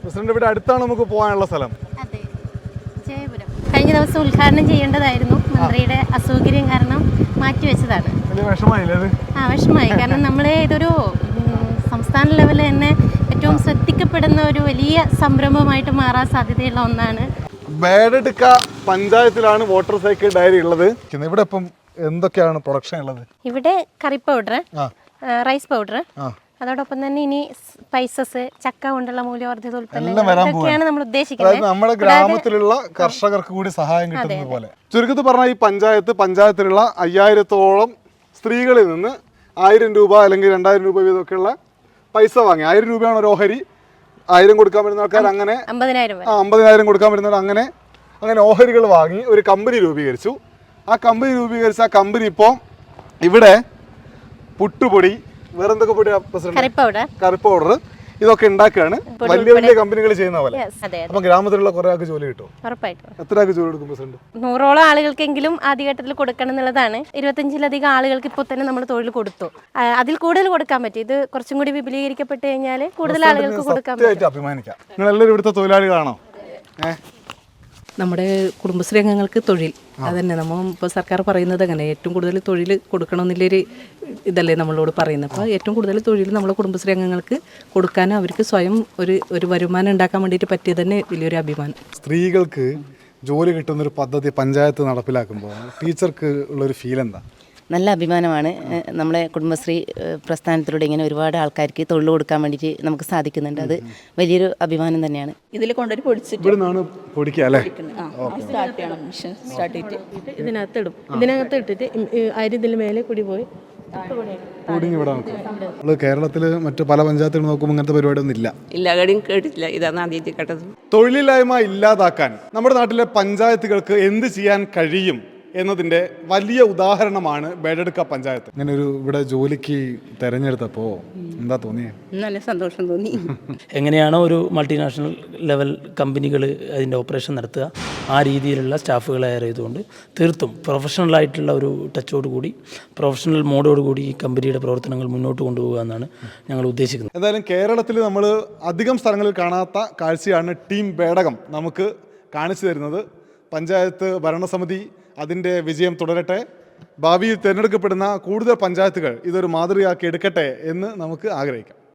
President ഇവിടെ അടുത്താണ് നമുക്ക് പോകാനുള്ള സ്ഥലം. അതെ, ജയപുരം. കഴിഞ്ഞ ദിവസം ഉദ്ഘാടനം ചെയ്യേണ്ടതായിരുന്നു, മന്ത്രിയുടെ അസൗകര്യം കാരണം മാറ്റിവെച്ചതാണ്. വലിയ വിഷമമായില്ലേ അത്? വിഷമമായി. കാരണം നമ്മളെ ഇതൊരു സംസ്ഥാന ലെവലിൽ തന്നെ ഏറ്റവും ശ്രദ്ധിക്കപ്പെടുന്ന ഒരു വലിയ സംരംഭമായിട്ട് മാറാൻ സാധ്യതയുള്ള ഒന്നാണ്. ബേഡെടുക്ക പഞ്ചായത്തിലാണ് വാട്ടർ സൈക്കിൾ ഡയറി ഉള്ളത്. ഇവിടെ ഇപ്പം എന്തൊക്കെയാണ് പ്രൊഡക്ഷൻ ഉള്ളത്? ഇവിടെ കറി പൗഡർ, റൈസ് പൗഡർ, അതോടൊപ്പം തന്നെ ഇനി സ്പൈസസ്, ചക്ക കൊണ്ടുള്ള മൂല്യവർദ്ധിത ഉൽപ്പന്നങ്ങളൊക്കെയാണ് നമ്മൾ ഉദ്ദേശിക്കുന്നത്. നമ്മുടെ ഗ്രാമത്തിലുള്ള കർഷകർക്ക് കൂടി സഹായം കിട്ടുന്നത് പോലെ. ചുരുക്കത്തിൽ പറഞ്ഞാൽ ഈ പഞ്ചായത്തിലുള്ള 5000-ഓളം സ്ത്രീകളിൽ നിന്ന് 1000 രൂപ അല്ലെങ്കിൽ 2000 രൂപ വീതമൊക്കെയുള്ള പൈസ വാങ്ങി. 1000 രൂപയാണ് ഒരു ഓഹരി. 1000 കൊടുക്കാൻ പറ്റുന്ന ആൾക്കാർ അങ്ങനെ 50,000 കൊടുക്കാൻ പറ്റുന്നവർ അങ്ങനെ ഓഹരികൾ വാങ്ങി ഒരു കമ്പനി രൂപീകരിച്ചു. ആ കമ്പനി ഇപ്പോൾ ഇവിടെ പുട്ടുപൊടി, വേറെന്തൊക്കെ പൊടിയാ പ്രസിഡന്റ്? കറി പൗഡർ, ഇതൊക്കെ ഉണ്ടാക്കുകയാണ്. വലിയ കമ്പനികൾ ചെയ്യുന്ന പോലെ. അപ്പൊ ഗ്രാമത്തിലുള്ള കുറെ ആൾക്ക് ജോലി കിട്ടും. എത്ര ആൾക്ക് ജോലി കൊടുക്കും പ്രസിഡന്റ്? 100ഓളം ആളുകൾക്കെങ്കിലും ആദ്യഘട്ടത്തിൽ കൊടുക്കണം എന്നുള്ളതാണ്. 25-ലധികം ആളുകൾക്ക് ഇപ്പോൾ തന്നെ നമ്മൾ തൊഴിൽ കൊടുത്തു. അതിൽ കൂടുതൽ കൊടുക്കാൻ പറ്റും. ഇത് കുറച്ചും കൂടി വിപുലീകരിക്കപ്പെട്ട് കഴിഞ്ഞാൽ കൂടുതൽ ആളുകൾക്ക് കൊടുക്കാൻ പറ്റും. അഭിമാനിക്കാം. നിങ്ങൾ എല്ലാവരും ഇവിടുത്തെ തൊഴിലാളികളാണോ? നമ്മുടെ കുടുംബശ്രീ അംഗങ്ങൾക്ക് തൊഴിൽ അതന്നെ നമ്മൾ ഇപ്പോൾ സർക്കാർ പറയുന്നത് അങ്ങനെ ഏറ്റവും കൂടുതൽ തൊഴിൽ കൊടുക്കണമെന്നുള്ളൊരു ഇതല്ലേ നമ്മളോട് പറയുന്നത്. അപ്പോൾ ഏറ്റവും കൂടുതൽ തൊഴിൽ നമ്മളെ കുടുംബശ്രീ അംഗങ്ങൾക്ക് കൊടുക്കാനും അവർക്ക് സ്വയം ഒരു വരുമാനം ഉണ്ടാക്കാൻ വേണ്ടിയിട്ട് പറ്റിയത് തന്നെ വലിയൊരു അഭിമാനം. സ്ത്രീകൾക്ക് ജോലി കിട്ടുന്നൊരു പദ്ധതി പഞ്ചായത്ത് നടപ്പിലാക്കുമ്പോൾ ടീച്ചർക്ക് ഉള്ളൊരു ഫീൽ എന്താ? നല്ല അഭിമാനമാണ്. നമ്മളെ കുടുംബശ്രീ പ്രസ്ഥാനത്തിലൂടെ ഇങ്ങനെ ഒരുപാട് ആൾക്കാർക്ക് തൊഴിൽ കൊടുക്കാൻ വേണ്ടിയിട്ട് നമുക്ക് സാധിക്കുന്നുണ്ട്. അത് വലിയൊരു അഭിമാനം തന്നെയാണ്. ഇതിൽ കൊണ്ടുപോയി പൊടിച്ചിട്ട് ഇതിനകത്ത് ഇട്ടിട്ട് ഇതിന് മേലെ കൂടി പോയി കേരളത്തിൽ മറ്റു പല പഞ്ചായത്തുകൾ നോക്കുമ്പോൾ ഇങ്ങനത്തെ പരിപാടിയൊന്നും ഇല്ല. കേട്ടിട്ടില്ല. ഇതാണ് ആദ്യമായിട്ട് കേട്ടത്. തൊഴിലില്ലായ്മ ഇല്ലാതാക്കാൻ നമ്മുടെ നാട്ടിലെ പഞ്ചായത്തുകൾക്ക് എന്ത് ചെയ്യാൻ കഴിയും എന്നതിൻ്റെ വലിയ ഉദാഹരണമാണ് ബേഡെടുക്ക പഞ്ചായത്ത്. ഇങ്ങനെ ഒരു ഇവിടെ ജോലിക്ക് തെരഞ്ഞെടുത്തപ്പോൾ എന്താ തോന്നിയത്? നല്ല സന്തോഷം തോന്നി. എങ്ങനെയാണോ ഒരു മൾട്ടിനാഷണൽ ലെവൽ കമ്പനികൾ അതിൻ്റെ ഓപ്പറേഷൻ നടത്തുക, ആ രീതിയിലുള്ള സ്റ്റാഫുകളെ ഹയർ ചെയ്തുകൊണ്ട് തീർത്തും പ്രൊഫഷണലായിട്ടുള്ള ഒരു ടച്ചോടുകൂടി, പ്രൊഫഷണൽ മോഡോടുകൂടി ഈ കമ്പനിയുടെ പ്രവർത്തനങ്ങൾ മുന്നോട്ട് കൊണ്ടുപോകുക എന്നാണ് ഞങ്ങൾ ഉദ്ദേശിക്കുന്നത്. എന്തായാലും കേരളത്തിൽ നമ്മൾ അധികം സ്ഥലങ്ങളിൽ കാണാത്ത കാഴ്ചയാണ് ടീം ബേഡകം നമുക്ക് കാണിച്ചു തരുന്നത്. പഞ്ചായത്ത് ഭരണസമിതി അതിൻ്റെ വിജയം തുടരട്ടെ. ഭാവിയിൽ തിരഞ്ഞെടുക്കപ്പെടുന്ന കൂടുതൽ പഞ്ചായത്തുകൾ ഇതൊരു മാതൃകയാക്കി എടുക്കട്ടെ എന്ന് നമുക്ക് ആഗ്രഹിക്കാം.